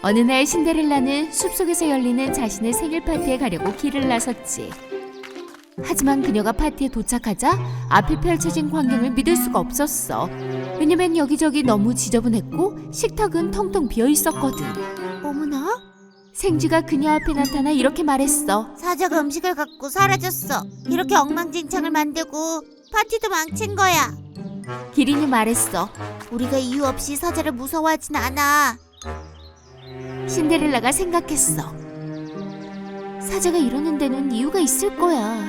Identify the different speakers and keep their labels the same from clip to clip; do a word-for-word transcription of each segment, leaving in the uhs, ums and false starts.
Speaker 1: 어느 날 신데렐라는 숲속에서 열리는 자신의 생일 파티에 가려고 길을 나섰지. 하지만 그녀가 파티에 도착하자 앞에 펼쳐진 광경을 믿을 수가 없었어. 왜냐면 여기저기 너무 지저분했고 식탁은 텅텅 비어 있었거든.
Speaker 2: 어머나?
Speaker 1: 생쥐가 그녀 앞에 나타나 이렇게 말했어.
Speaker 2: 사자가 음식을 갖고 사라졌어. 이렇게 엉망진창을 만들고 파티도 망친 거야.
Speaker 1: 기린이 말했어.
Speaker 2: 우리가 이유 없이 사자를 무서워하진 않아.
Speaker 1: 신데렐라가 생각했어. 사자가 이러는 데는 이유가 있을 거야.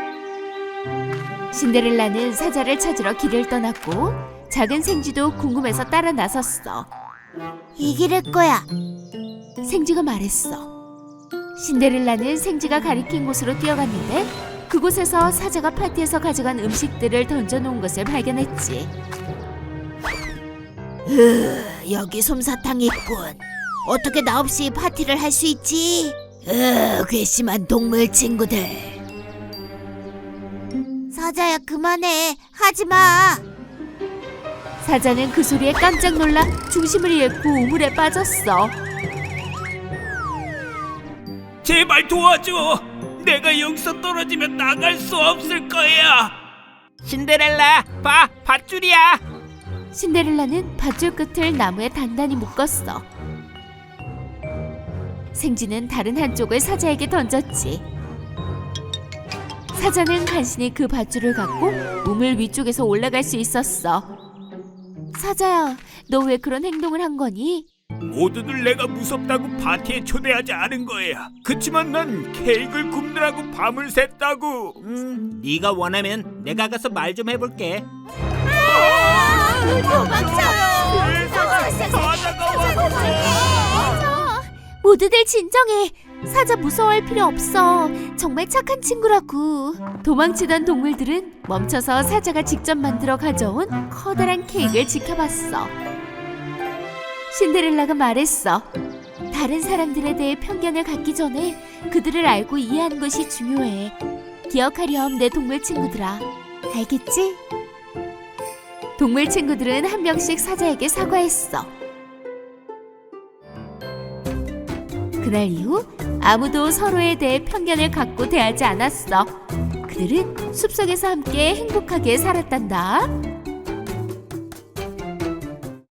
Speaker 1: 신데렐라는 사자를 찾으러 길을 떠났고 작은 생쥐도 궁금해서 따라 나섰어.
Speaker 2: 이 길일 거야.
Speaker 1: 생쥐가 말했어. 신데렐라는 생쥐가 가리킨 곳으로 뛰어갔는데 그곳에서 사자가 파티에서 가져간 음식들을 던져놓은 것을 발견했지.
Speaker 2: 으, 여기 솜사탕이 있군. 어떻게 나 없이 파티를 할 수 있지? 으, 괘씸한 동물 친구들. 사자야, 그만해. 하지마.
Speaker 1: 사자는 그 소리에 깜짝 놀라 중심을 잃고 우물에 빠졌어.
Speaker 3: 제발 도와줘. 내가 여기서 떨어지면 나갈 수 없을 거야. 신데렐라, 봐, 밧줄이야.
Speaker 1: 신데렐라는 밧줄 끝을 나무에 단단히 묶었어. 생쥐는 다른 한쪽을 사자에게 던졌지. 사자는 간신히 그 밧줄을 갖고 우물 위쪽에서 올라갈 수 있었어. 사자야, 너 왜 그런 행동을 한 거니?
Speaker 3: 모두들 내가 무섭다고 파티에 초대하지 않은 거야. 그치만 난 케이크를 굽느라고 밤을 샜다고. 음, 네가 원하면 내가 가서 말 좀 해볼게.
Speaker 1: 모두들 진정해. 사자 무서워할 필요 없어. 정말 착한 친구라고. 도망치던 동물들은 멈춰서 사자가 직접 만들어 가져온 커다란 케이크를 지켜봤어. 신데렐라가 말했어. 다른 사람들에 대해 편견을 갖기 전에 그들을 알고 이해하는 것이 중요해. 기억하렴, 내 동물 친구들아. 알겠지? 동물 친구들은 한 명씩 사자에게 사과했어. 그날 이후 아무도 서로에 대해 편견을 갖고 대하지 않았어. 그들은 숲속에서 함께 행복하게 살았단다.